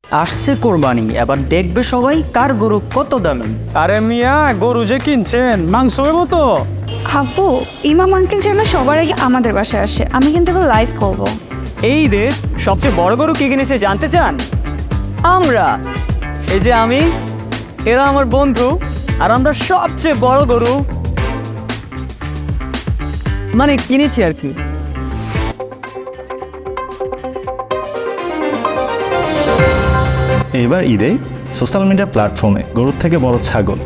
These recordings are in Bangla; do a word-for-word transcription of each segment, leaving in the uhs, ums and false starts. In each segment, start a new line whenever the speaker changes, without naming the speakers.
আসছে কোরবানি, এবার দেখবে সবাই কার গরু কত দামি।
আরে মিয়া, গরু যে কিনছেন মাংস হইব তো।
আব্বু, ইমাম আঙ্কেল যেন সবার আগে আমাদের বাসায় আসে, আমি কিন্তু এবার লাইভ করবো।
এই ঈদের সবচেয়ে বড় গরু কে কিনেছে জানতে চান? আমরা। এই যে আমি, এরা আমার বন্ধু, আর আমরা সবচেয়ে বড় গরু মানে কিনেছি আর কি।
এবার ঈদে সোশ্যাল মিডিয়া প্ল্যাটফর্মে গরুর থেকে বড় ছাগল,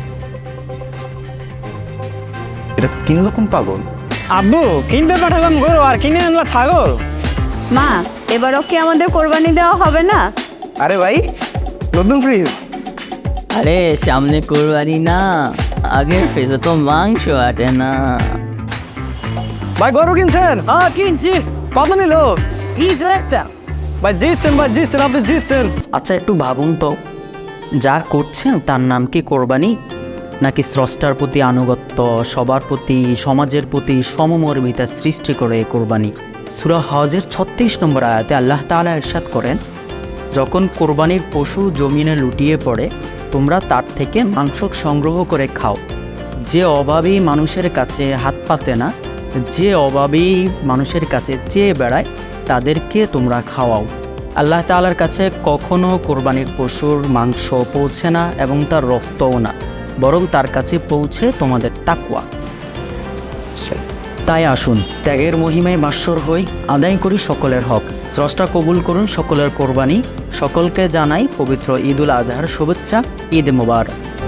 এটা কিনলো কোন পাগল?
আব্বু, কিনতে পাঠালাম গরু আর কিনে আনলা ছাগল।
মা, এবারও কি আমাদের কোরবানি দেওয়া হবে না?
আরে ভাই, নতুন ফ্রিজ।
আরে সামনে কোরবানি না, আগের ফ্রিজে তো মাংস আটে না।
ভাই গরু কিনছেন?
হ্যাঁ কিনছি।
কত নিল?
ইজ একটা।
ভাই জিতছেন, ভাই জিতছেন, আপনি জিতছেন।
আচ্ছা একটু ভাবুন তো, যা করছেন তার নাম কি কোরবানি, নাকি স্রষ্টার প্রতি আনুগত্য, সবার প্রতি, সমাজের প্রতি সমমর্মিতা সৃষ্টি করে এই কোরবানি? সূরা হজের ছত্রিশ নম্বর আয়াতে আল্লাহ তাআলা ইরশাদ করেন, যখন কোরবানির পশু জমিনে লুটিয়ে পড়ে তোমরা তার থেকে মাংস সংগ্রহ করে খাও। যে অভাবী মানুষের কাছে হাত পাতে না, যে অভাবী মানুষের কাছে চেয়ে বেড়ায়, তাদেরকে তোমরা খাওয়াও। আল্লাহ তাআলার কাছে কখনো কোরবানির পশুর মাংস পৌঁছে না এবং তার রক্তও না, বরং তার কাছে পৌঁছে তোমাদের তাকওয়া। তাই আসুন ত্যাগের মহিমায় মাস্বর হই, আদায় করি সকলের হক। স্রষ্টা কবুল করুন সকলের কোরবানি। সকলকে জানাই পবিত্র ঈদুল আজহার শুভেচ্ছা। ঈদ মোবারক।